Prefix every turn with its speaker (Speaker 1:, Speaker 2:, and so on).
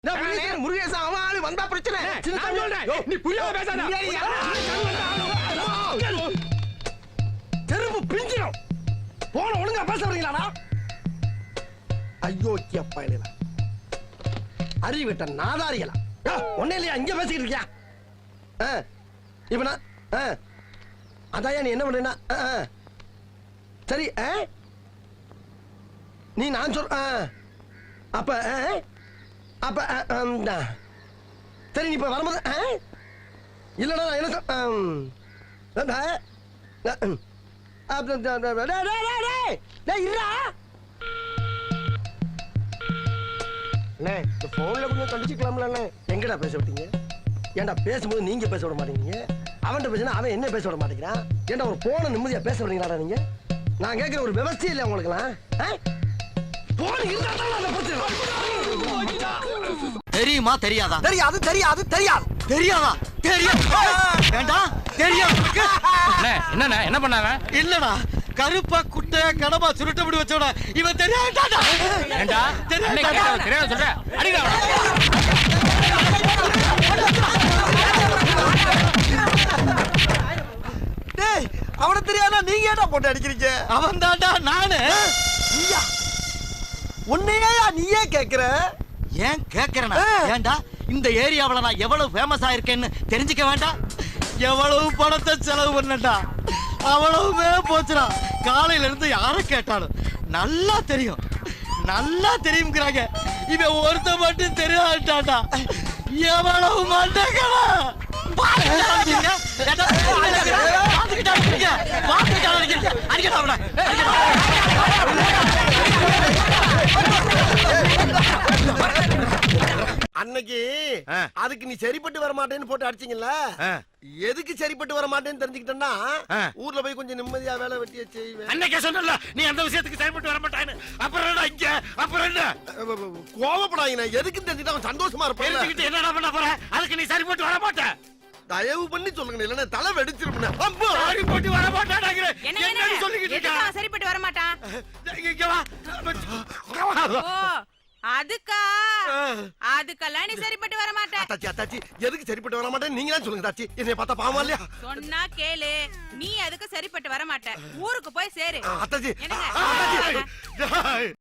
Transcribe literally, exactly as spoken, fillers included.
Speaker 1: முருகேசா அவன் ஆளு வந்தா பிரச்சனை.
Speaker 2: நீ புரியாத பேசாத.
Speaker 1: தெருவு பிஞ்சிடும். போன ஒழுங்கா பேச வரீங்களாடா? ஐயோ கேப்பா இல்ல. அறிவிட்ட நாதாரிகளா? ஒண்ணே இல்லையா இங்க பேசிக்கிட்டு இருக்கியா? இப்ப நான் அதாயா நீ என்ன பண்றீன்னா சரி நீ நான் சொல் அப்ப அப்ப சரி நீ இப்ப வரும்போது இல்லடா என்ன இந்த போன்ல கொஞ்சம் கண்டிச்சுக்கலாம்ல. எங்கடா பேச விட்டீங்க? ஏன்டா பேசும்போது நீங்க பேச விட மாட்டேங்கிறீங்க, அவன்கிட்ட பேசினா அவன் என்ன பேச விட மாட்டேங்கிறான். ஏன்டா ஒரு போன நிம்மதியா பேச விடுறீங்களாடா நீங்க? நான் கேட்கிற ஒரு விவசாயம் இல்லை உங்களுக்குலாம்.
Speaker 3: தெரியுமா தெரியாதா?
Speaker 1: தெரியாது தெரியாது தெரியாது
Speaker 3: தெரியாதா? தெரியும். வேண்டாம் தெரியும்.
Speaker 2: என்ன என்ன பண்ணாங்க?
Speaker 3: இல்லடா கருப்பா குட்டை கடமா சுருட்ட முடி வச்சோட இவன் தெரியாதாடா.
Speaker 2: ஏண்டா தெரியாத சொல்ற அடிடா.
Speaker 1: டேய் அவன தெரியாதா நீங்க ஏன்டா போட்டு அடிக்கிறீங்க?
Speaker 3: அவன் தான்டா நானு.
Speaker 1: நீயா? உன்னையா நீயே கேக்குற?
Speaker 3: ஏன் கேக்குறேனா? ஏன்டா இந்த ஏரியாவுல நான் எவ்வளவு ஃபேமஸ் ஆயிருக்கேன்னு தெரிஞ்சுக்க வேண்டாம்? எவ்வளவு பணத்தை செலவு பண்ணடா, அவ்வளவுமே போச்சுடா. காலையில இருந்து யாரை கேட்டாலும் நல்லா தெரியும் நல்லா தெரியுங்கிறாங்க. இவன் ஒருத்த மட்டும் தெரியாட்டாடா. எவ்வளவு மண்டகளா
Speaker 1: அன்னைக்கு அதுக்கு நீ சரிப்பட்டு வர மாட்டேன்னு போட்டு அடிச்சீங்கல்ல, எதுக்கு சரிப்பட்டு வர மாட்டேன்னு தெரிஞ்சுக்கிட்டேன்னா ஊர்ல போய் கொஞ்சம் நிம்மதியா வேலை வெட்டிய செய்வேன்.
Speaker 2: அன்னைக்கே சொன்னல நீ அந்த விஷயத்துக்கு சரிப்பட்டு வர மாட்டான்னு. அப்புறம் என்ன இங்க அப்புறம் என்ன
Speaker 1: கோவப்படாதீங்க. எதுக்கு தெரிஞ்சுட்டு அவன் சந்தோஷமா இருப்பான்.
Speaker 2: என்னடா பண்ண போற? அதுக்கு நீ சரிப்பட்டு வர மாட்ட.
Speaker 1: தயவு பண்ணி சொல்லுங்க, இல்லன்னா தலை வெடிச்சிருப்பேன்.
Speaker 2: சரிப்பட்டு வர மாட்டாங்கற என்ன சொல்லிக்கிட்டு இருக்க?
Speaker 4: சரிப்பட்டு வர மாட்டான்.
Speaker 2: இங்க வா.
Speaker 4: ஓ அதுக்கா அதுக்கெல்லாம் நீ சரிப்பட்டு வர மாட்டேன்.
Speaker 1: தாச்சி தாச்சி எதுக்கு சரிப்பட்டு வர மாட்டேன் நீங்க தான் சொல்லுங்க தாச்சி. என்னைய பார்த்தா பாவமா இல்லையா?
Speaker 4: சொன்னா கேளு, நீ அதுக்கு சரிப்பட்டு வர மாட்ட. ஊருக்கு போய் சேரு.
Speaker 1: அத்தாச்சி
Speaker 4: என்னங்க